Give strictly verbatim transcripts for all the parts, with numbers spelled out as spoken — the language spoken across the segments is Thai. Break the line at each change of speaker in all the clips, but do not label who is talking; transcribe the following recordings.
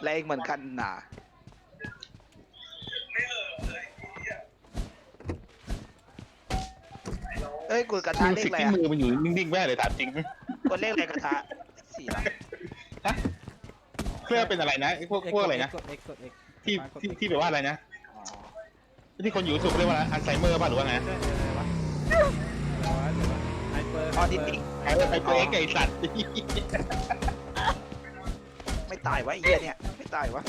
แรงเหมือนกันนะเอ้ยกูกระทะเลข
สิ
อะไร
ที่
อะ
มือมันอยู่นิ่งๆแม่เลยถามจริง
กดเลขอะไรกระทะสี่ละ
ฮะเพื่อเป็นอะไรนะไอ้พวกพวกอะไรนะ
กด X กด X
ที่ที่ที่แบบว่าอะไรนะที่คนอยู่สุขเรียกว่าอัลไซเมอร์ป่ะหรือว่าไง
ใช่อะไรวะอะไรวะหรือว่าไฮเปอร์
ออทิสติก
ไอ้ไอ้ตัวเอ็กไอ้สัตว์
ไม่ตายวะไอ้เหี้ยเนี่ยไม่ตายวะ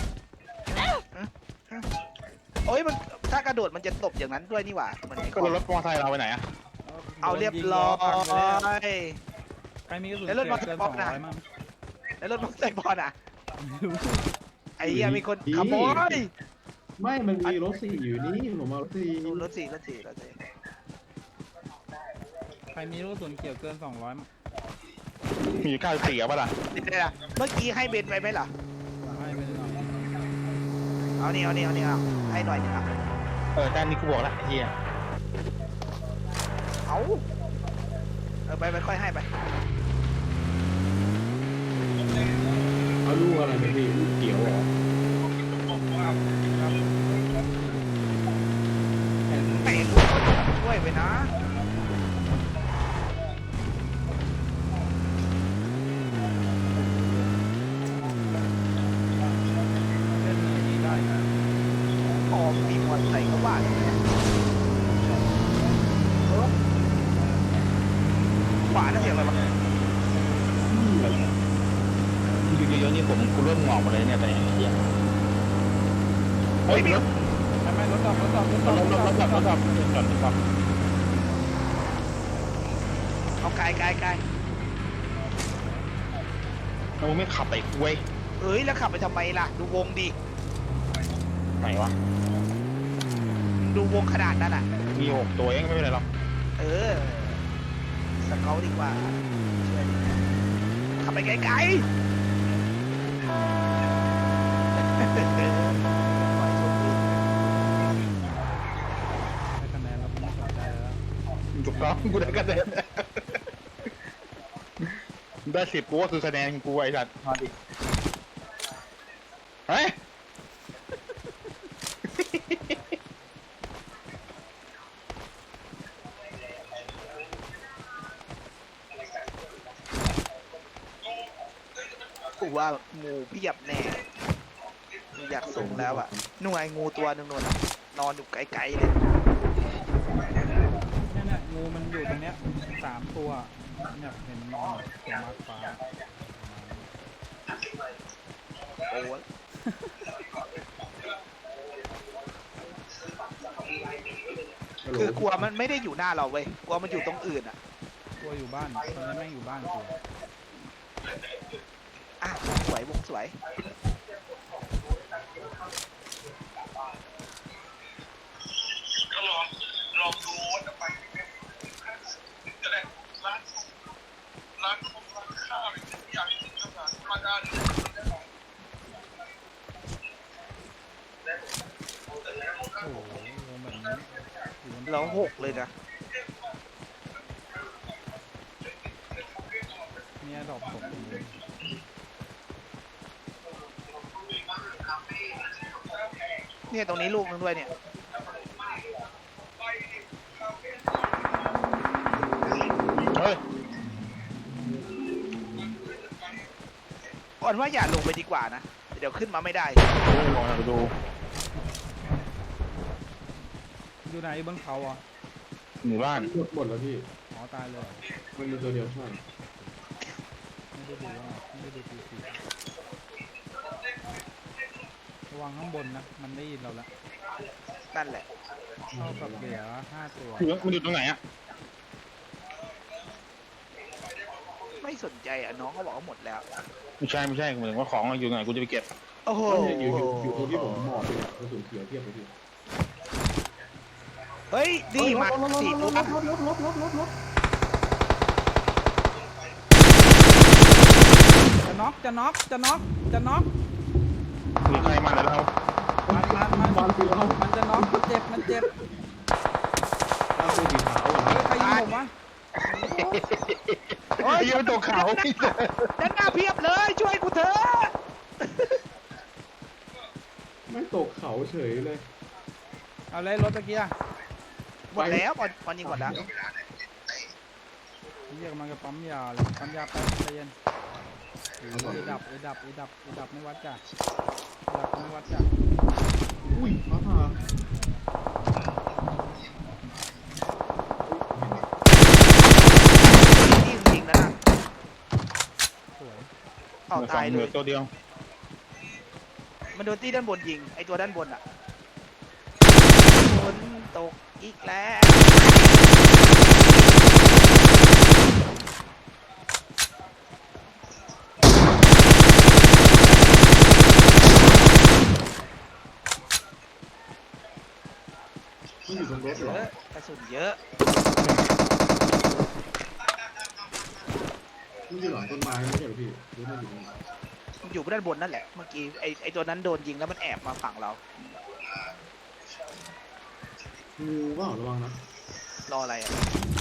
โอ้ยมันถ้ากระโดดมันจะตบอย่างนั้นด้วยนี่หว่ามัน
ก็รถมอเตอร์ไซค์เราไปไหนอะ
เอาเรียบร้อย
ใครมีกระสุน
แล้วรถมอเตอร์
เกิน
ไซค์
สองร้อยมั้ง
แล้วรถมอเตอร์ไซค์บอลอ่ะไอ้เหี้ยมีคนขโมย
ไม่มันมีรถสี่อยู่นี่ผมเอารถสี่
รถสี่รถสี่รถสี่
ใครมีลูกกระสุนเกี่ยวเกินสองร้อยมั้ง
มีอยู่เก้าสิบสี่เอาป่ะล่ะ
นี่ได้ละเมื่อกี้ให้เบนไปไหมล่ะ
ให้ไปหน่อย
เอานี่เอานี่เอานี่เอาให้หน่อยนึงอ่ะ
เออแต่นี่กูบอกแล้วไอ้เหี้ย
เอาเออไปไปค่อยให้ไป
เอาลูกอะไรไปพี่ลูกเขียวเหรอ
ไม่เห็นลูกเขาช่วยไปนะ
เล่นนี้ได้นะ
พอมีมอเตอร์ไซค์เขาว่าอย่างนี้เออขวาน่าเสียงอะไรวะ
อยู่เยอะๆนี่ผมกูเริ่มงอกหมดเลยเนี่ยแต่ไอ้เหี้ยเฮ้ยรถ
ไม่ไม่รถตอบรถตอบรถต
ร
อบ
ถรถรถรถรถรถรถจอดจอด
เอาไกลไกลไกล
แล้วมึงไม่ขับไปเว้ย
เอ้ยแล้วขับไปทำไมล่ะดูวงดิ
ไหนวะ
ดูวงขนาดนั้นอ่ะ
มีหกตัวเองไม่เป็นไรหรอก
เออสเกลดีกว่าช่วยดิขับไปไกลๆ
ให้คะแนนเราไม่สนใจแล้ว
ถูกต้องกูได้คะแนนได้สิบกูก็คือคะแนนกูไอ้สัตว์มาดิเฮ้ย
กูว่างูเพียบแน่อยากส่งแล้วอ่ะหน่วยงูตัวหนึงนนอะนอนอยู่ไกลๆเลย
เนี่ยเนี่ยงูมันอยู่ตรงเนี้ยสามตัวเนี่ยเห็นนอนตัวมาร์คฟ้า
โอ้ยคือกลัวมันไม่ได้อยู่หน้าเราเว้ยกลัวมันอยู่ตรงอื่นอ่ะ
ตัวอยู่บ้านตอนนี้แม่งอยู่บ้านกู
อ่ะวงสวยวงสวย
โอ้โหวงแบบนี้อยู่บน
เราหกเลยนะ
เนี่ยดอกตกอยู่
เนี่ยตรงนี้ลูกนึงด้วยเนี่ย
เฮ้ย
ก่อนว่าอย่าลงไปดีกว่านะเดี๋ยวขึ้นมาไม่ได้
ดูลองไปดู
อยู่ไหนบนเขาอ่ะ
หมู่บ้าน
หมดหมดแล้วพี่
อ๋อตายเลยเหรอ
มันมีตัวเดียวใช่
ไม่ได้ดูว่าไม่ได้ดูทีซีระวังข้างบนนะ มันได้ยินเราแล้ว
นั่นแหละ
เท่ากับเหลือห้าตัว
อยู่มันอยู่ตรงไหนอะ
ไม่สนใจอ่ะน้องเขาบอกว่าหมดแล้ว
ไม่ใช่ไม่ใช่เหมือนว่าของอยู่ไหนกูจะไปเก็บ
โอ้โห
อยู่อยู่อยู่ตรงที่ผมหมอบเลยกระสุนเขียวเทียบเลยพี่
เฮ้ยดีมาสี่ตัว
รถรถรถรถรถรถรถ
จะน็อกจะน็อกจะน็อกจะน็อก
มีใครมาแล้วเรา
มันมันมัน
บอลสีขาว
มันจะน็อกมันเจ็บมันเจ็บ
บอลสีขาว
เฮ้ยใครยิงผมวะ
โอ้ย
ไอ้ยังไม่ตกเขา
ด้านหน้าเพียบเลยช่วยกูเถอะ
ไม่ตกเขาเฉยเลย
เอาเลยรถตะเกียร์
หมดแล้วบอลบอลยิงหมดแล้ว
เรียกมันกับปั๊มยาเลยปั๊มยาแป๊บใจเย็นเอดับเอดับเอดับเอดับไม่วัดจ้ะเอดับไม่วัดจ้ะ
อุ้ยฟ้าผ่า
นี่ยิงนะน่ะ
สวย
เอา
เหลือสอ
ตาง ย
เห
เล
ลือย ตัวเดียว
มันโดนตีด้านบนยิงไอตัวด้านบนอ่ะฝนตกอีกแล้ว
มันอยู่บนรถ
เย
เหรอ
อะกระสุนเยอะ
มันอยู่หลังต้นไม้ไม่ใช่เหรอพี่หรือมันอยู่ตรงไหน
มันอยู่ด้านบนนั่นแหละเมื่อกี้ไอไอตัวนั้นโดนยิงแล้วมันแอบมาฝั่งเรา
งูเปล่าระวังนะ
รออะไรอ่ะ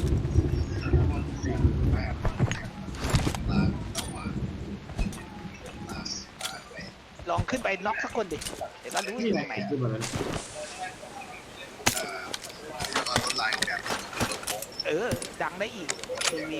ลองขึ้นไปน็อกสักคนดิเดี๋ยวก็รู้อ
นี่
ยู่
ไง
ตรงไหน
ขึ้นมาแล้ว
เออดังได้อีกทีวี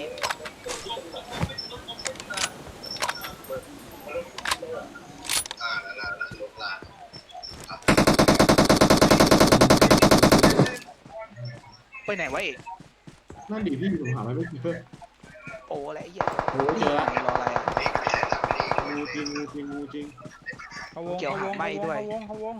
ไปไหนวะเอก
นั่นดิพี่ผมหาไม่เจอ
โอ้อะไรไอ้เหี้ย
โอ้เจอละ
รออะไรอ่ะ
งูจริงงูจริงงูจริง
เขาวง
เกี่ยว
เขาว
หาง ไหม้
เขาวง
ด้วย
เขาวงเขาวง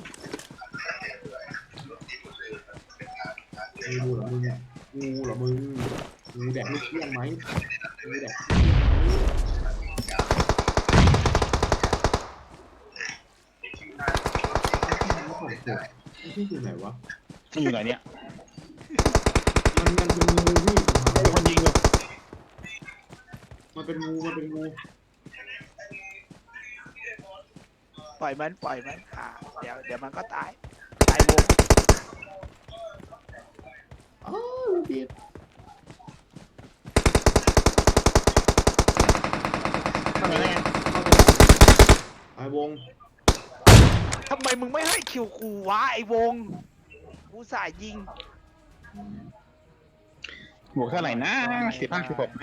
งูเหรอมึงงูเหรอมึงงูแดกลูกเลี้ยงไหมงูแดกของผมไม่ใช่อยู่ไหนวะ
มันอยู่ไหนเนี่ย
มันมันเป็นงูพี่ผมหา
มีคนยิงอยู่
มันเป็นงูมันเป็นงู
ปล่อยมันปล่อยมันอ่าเดี๋ยวเดี๋ยวมันก็ตายตายวง
อ้าวพี่
ทำไมไง
ไอ้วง
ทำไมมึงไม่ให้คิวกูวะไอ้วงกูสายยิง
บวกเท่าไหร่นะสิบห้าสิบหก